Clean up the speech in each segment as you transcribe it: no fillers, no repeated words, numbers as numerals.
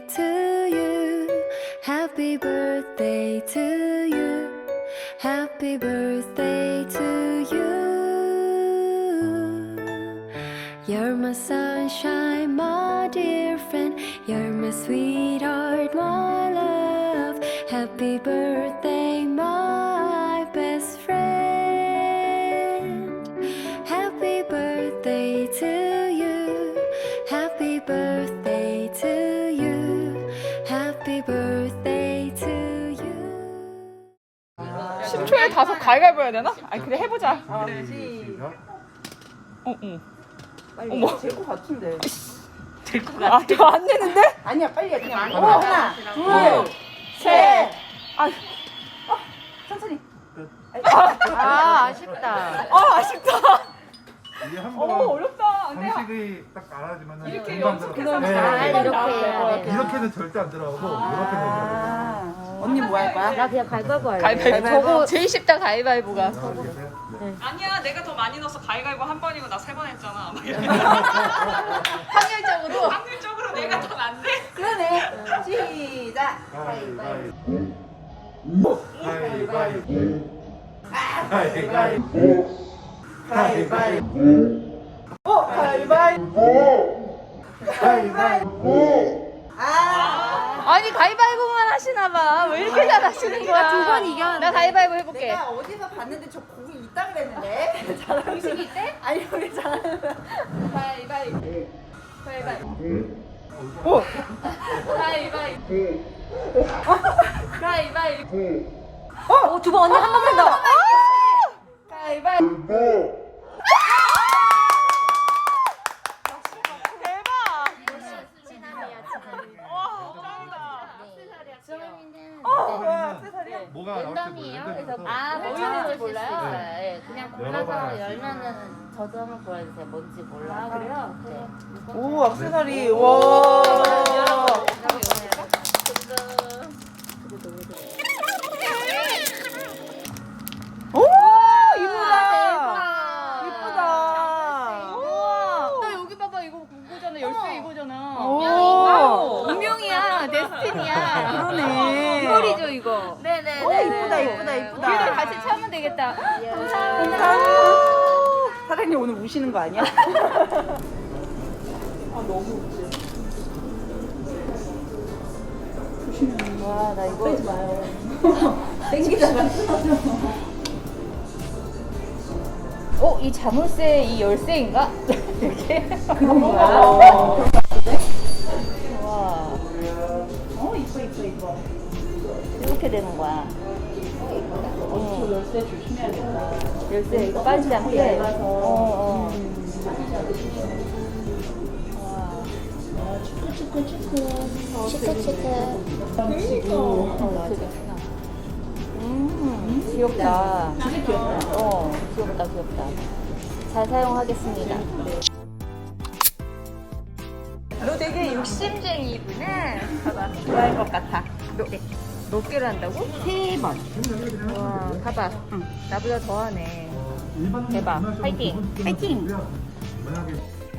to you. Happy birthday to you. Happy birthday to you. You're my sunshine, my dear friend. You're my sweetheart, my love. Happy birthday, my best friend. Happy birthday to you. Happy birthday to you. Happy birthday to you. 10초에 5 가위가위보 해야 되나? 아니 그래 해보자. 그래, 시작. 빨리 어머. 될 것 같은데. 될 것 같아. 더 안 되는데? 아니야, 빨리 해. 그냥 하나, 둘, 셋. 천천히. 아쉽다. 아쉽다. 이게 한 어 번 어렵다. 안 돼. 방식이 딱 알아지면은 이렇게 금방 연속해서 들어가요. 잘 네. 이렇게 해야 돼. 이렇게는 절대 안 들어가고 이렇게는 언니 뭐 할 거야? 나 그냥 가위바위보 할래. 가위바위보. 저거 제일 쉽다 가위바위보가. 들어가고. 네. 아니야 내가 더 많이 넣어서 가위바위보 한 번이고 나 3번 했잖아. 확률적으로. 확률적으로 내가 더 낫네. 그러네. 시작. 가위바위보. 가위바위보. 가위바위보. 가위바위보. 가위바위보. 가위바위보. 아니 가위바위보만 하시나봐. 왜 이렇게 잘하시는 거야? 2번 이겼는데. 나 가위바위보 해볼게. 내가 어디서 봤는데 저 공이 있다 그랬는데. 잘하는 있대? 아니 우리 잘하는. 가위바위보. 가위바위보. 가위바위보. 가위바위보. 두 번 언니 한 번만 더. 가위바위보. 대박. 와 짱이다. 뭐가 랜덤이에요. 그래서 뭐 아, 뭐 뭐 있는지 있는지 몰라요. 몰라요? 네, 그냥 골라서 열어봐야지. 열면은 저도 한번 보여주세요. 뭔지 몰라. 아, 그래요? 네. 오, 액세서리. 와. 오, 이쁘다. 이쁘다. 나 여기 봐봐 이거 그거잖아. 열쇠 이거잖아. 오. 운명이야. 데스티니야. 그러네. 이거리죠 이거. 네네. 오, 이쁘다, 이쁘다, 이쁘다. 우리도 같이 차면 되겠다. 감사합니다. 사장님 오늘 우시는 거 아니야? 와, 나 이거 빼지 마요. 이 자물쇠 이 열쇠인가? 이렇게. 그런 거야? 와, 이뻐, 이뻐, 이뻐. 이렇게 되는 거야. 저 열쇠 조심해야겠다. 열쇠 이거 빠지지 않게. 얇아서. 귀엽다. 귀엽다, 귀엽다. 잘 사용하겠습니다. 너 되게 욕심쟁이구나. 봐봐. 좋아할 것 같아. 몇 개를 한다고? 3번. 와, 봐봐. 나보다 더하네. 대박. 파이팅! 파이팅. 만약에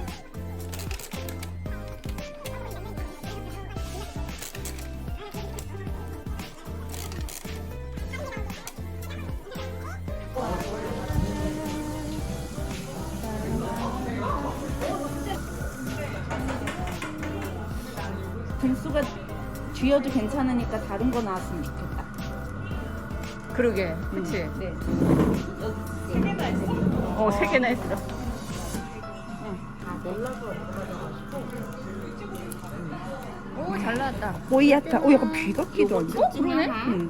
등수가 쥐어도 괜찮으니까 다른 거 나왔으면 좋겠다. 그러게. 그치? 네. 3개나 했어. 오, 잘 나왔다. 보이야타. 약간 귀 같기도 한데? 그러네? 응.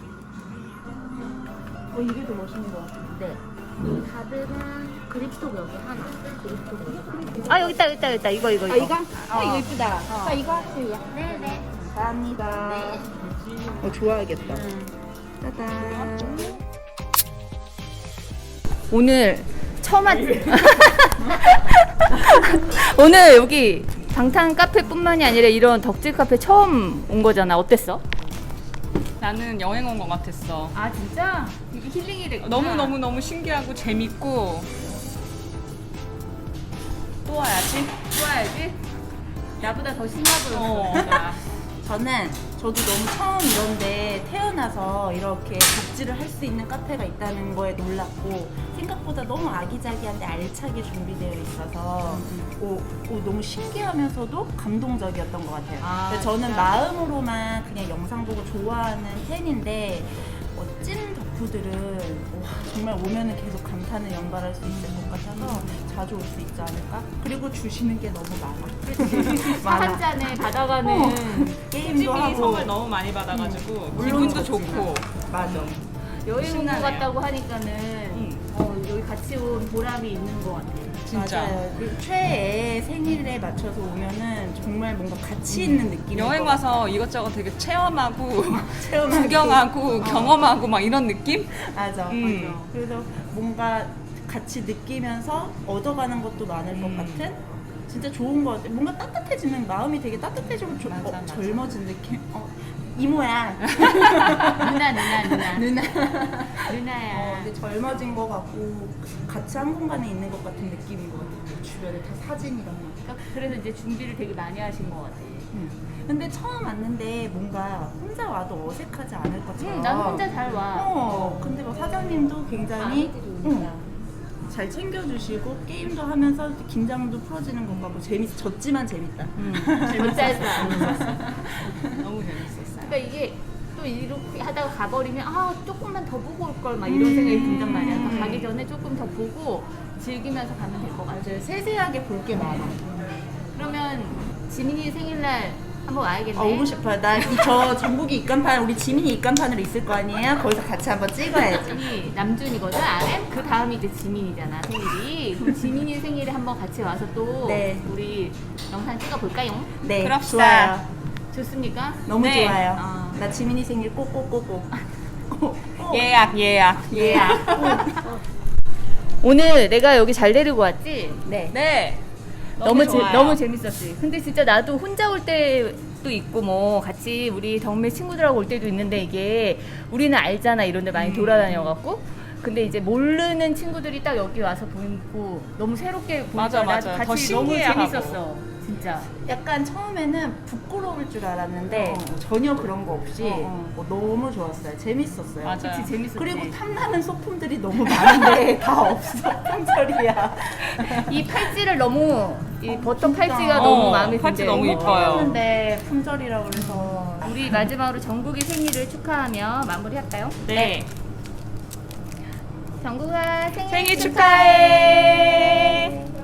이게 더 멋있는 것 같아. 네. 가드는 그립톡 여기 하나. 그립톡 여기 하나. 아, 여기 있다, 여기 있다, 여기 있다. 이거. 이거? 이거 이쁘다. 이거 하세요. 네네. 감사합니다. 좋아하겠다. 짜잔. 오늘 처음 오늘 여기 방탄 카페뿐만이 아니라 이런 덕질 카페 처음 온 거잖아. 어땠어? 나는 여행 온 것 같았어. 아 진짜? 이게 힐링이 되구나. 너무 신기하고 재밌고 또 와야지. 좋아야지. 나보다 더 신나보였어. 어. 저도 너무 처음 이런데 태어나서 이렇게 복지를 할 수 있는 카페가 있다는 거에 놀랐고 생각보다 너무 아기자기한데 알차게 준비되어 있어서 너무 신기하면서도 감동적이었던 것 같아요. 근데 저는 진짜? 마음으로만 그냥 영상 보고 좋아하는 팬인데 찐 덕후들은 정말 오면은 계속 감탄을 연발할 수 있을 것 같아서 자주 올 수 있지 않을까? 그리고 주시는 게 너무 많아. 차한 잔에 받아가는 게임도 수진이 하고 선물 너무 많이 받아가지고 물론 기분도 좋지만. 좋고. 맞아. 여행 온 것 신나네요. 같다고 하니까는 여기 같이 온 보람이 있는 것 같아요. 진짜. 맞아요. 그리고 최애 생일에 맞춰서 오면은 정말 뭔가 가치 있는 느낌이 여행 와서 이것저것 되게 체험하고 체험하고. 구경하고 경험하고 막 이런 느낌? 맞아. 음. 맞아. 그래서 뭔가 같이 느끼면서 얻어가는 것도 많을 것 같은 진짜 좋은 것 같아. 뭔가 따뜻해지는 마음이 되게 따뜻해지고 맞아. 젊어진 느낌. 이모야. 누나. 누나야. 근데 젊어진 것 같고 같이 한 공간에 있는 것 같은 느낌인 것 같아요. 주변에 다 사진이랑 막. 그러니까 그래서 이제 준비를 되게 많이 하신 것 같아요. 근데 처음 왔는데 뭔가 혼자 와도 어색하지 않을 것처럼. 난 혼자 잘 와. 근데 뭐 사장님도 굉장히 잘 챙겨주시고 게임도 하면서 긴장도 풀어지는 것 같고 졌지만 재밌다. 재밌었어. 너무 재밌었어요. 그러니까 이게 또 이렇게 하다가 가버리면 조금만 더 보고 올 걸 막 이런 생각이 든단 말이야. 그러니까 가기 전에 조금 더 보고 즐기면서 가면 될 것 같아요. 맞아요. 세세하게 볼 게 많아. 그러면 지민이 생일날 한번 와야겠네. 오고 싶어요. 저 전국이 입간판 우리 지민이 입간판으로 있을 거 아니에요? 거기서 같이 한번 찍어야지. 이 남준이거든, RM? 그 다음이 이제 지민이잖아, 생일이. 그럼 지민이 생일에 한번 같이 와서 또 네. 우리 영상 찍어볼까요? 네, 그럽시다. 좋아요. 좋습니까? 너무 네. 좋아요. 나 지민이 생일 꼭꼭꼭꼭. 예약. 예. 오늘 내가 여기 잘 데리고 왔지? 네. 네. 너무 좋아요. 재밌었지. 근데 진짜 나도 혼자 올 때도 있고 뭐 같이 우리 덕매 친구들하고 올 때도 있는데 이게 우리는 알잖아, 이런 데 많이 돌아다녀갖고. 근데 이제 모르는 친구들이 딱 여기 와서 보이고 너무 새롭게 보니까 맞아. 나도 더 같이 너무 신기해하고. 재밌었어. 진짜. 약간 처음에는 부끄러울 줄 알았는데 전혀 그런 거 없이 너무 좋았어요. 재밌었어요. 맞아요. 그치, 재밌었지. 그리고 탐나는 소품들이 너무 많은데 다 없어. 품절이야. 이 팔찌를 너무 이 버터 팔찌가 너무 마음에 팔찌 든대. 너무 이뻐요. 근데 품절이라고 그래서 우리 마지막으로 정국이 생일을 축하하며 마무리할까요? 네. 정국아 생일 생일 축하해.